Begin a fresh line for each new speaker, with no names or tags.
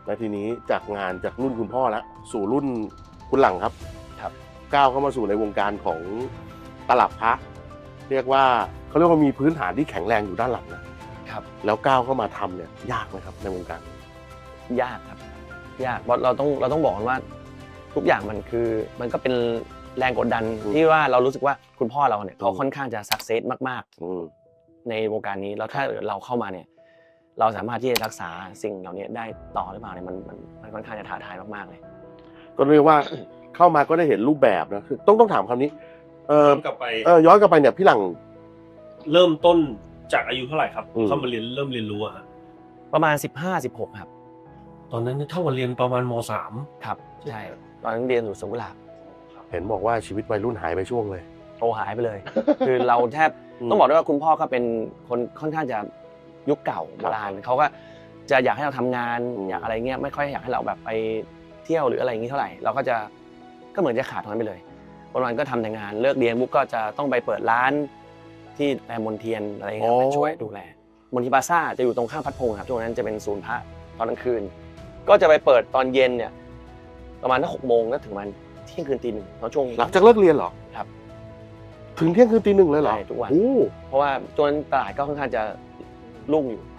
และทีนี้จากงานจากรุ่นคุณพ่อแล้วสู่รุ่นคุณหลังครับ
ครับ
ก้าวเข้ามาสู่ในวงการของตลับพระเรียกว่าเขาเรียกว่ามีพื้นฐานที่แข็งแรงอยู่ด้านหลังนะครับ แล้วก้าวเข้ามาทำเนี่ยยากไหมครับในวงการ
ยากครับยากเพราะเราต้องบอกกันว่าทุกอย่างมันก็เป็นแรงกดดันที่ว่าเรารู้สึกว่าคุณพ่อเราเนี่ยเขาค่อนข้างจะสักเซสมากๆในวงการนี้แล้วถ้าเราเข้ามาเนี่ยเราสามารถที่จะรักษาสิ่งเหล่านี้ได้ต่อหรือเปล่าเนี่ยมันค่อนข้างจะท้าทายมากๆเลย
ก็เรียกว่าเข้ามาก็ได้เห็นรูปแบบนะคือต้องถามคำนี้
กลับไป
ย้อนกลับไปเนี่ยพี่หลัง
เริ่มต้นจากอายุเท่าไหร่ครับ
อืม
เข้ามาเริ่มเรียนรู้อะฮะ
ประมาณ15-16ครับ
ตอนนั้นเท่ากับเรียนประมาณม.3
ครับใช่ตอนนั้นเรียนอยู่สวนกุหลาบ
เห็นบอกว่าชีวิตวัยรุ่นหายไปช่วงเลย
โตหายไปเลย คือเราแทบ
อืม
ต้องบอกด้วยว่าคุณพ่อก็เป็นคนค่อนข้างจะยุคเก่าโบราณเขาก็จะอยากให้เราทำงาน
อืม
อยากอะไรเงี้ยไม่ค่อยอยากให้เราแบบไปเที่ยวหรืออะไรอย่างนี้เท่าไหร่เราก็เหมือนจะขาดตรงนั้นไปเลยวันๆก็ทำแต่งานเลิกเรียนปุ๊บก็จะต้องไปเปิดร้านที่แรมมนเทียนอะไรเงี้ยไปช่วยดูแลมนทิพาซ่าจะอยู่ตรงข้างพัดพงษ์ครับช่วงนั้นจะเป็นศูนย์พระตอนกลางคืน ก็จะไปเปิดตอนเย็นเนี่ยประมาณ6 โมงก็ถึงมันเที่ยงคืนตี 1ตอนช่วง
หลังจากเลิกเรียนเหรอ
ครับ
ถึงเที่ยงคืนตี 1เลยเหรอ
ใช่ทุกวัน
โอ้
เพราะว่าจนตลาดก็ค่อนข้างจะรุ่งอยู่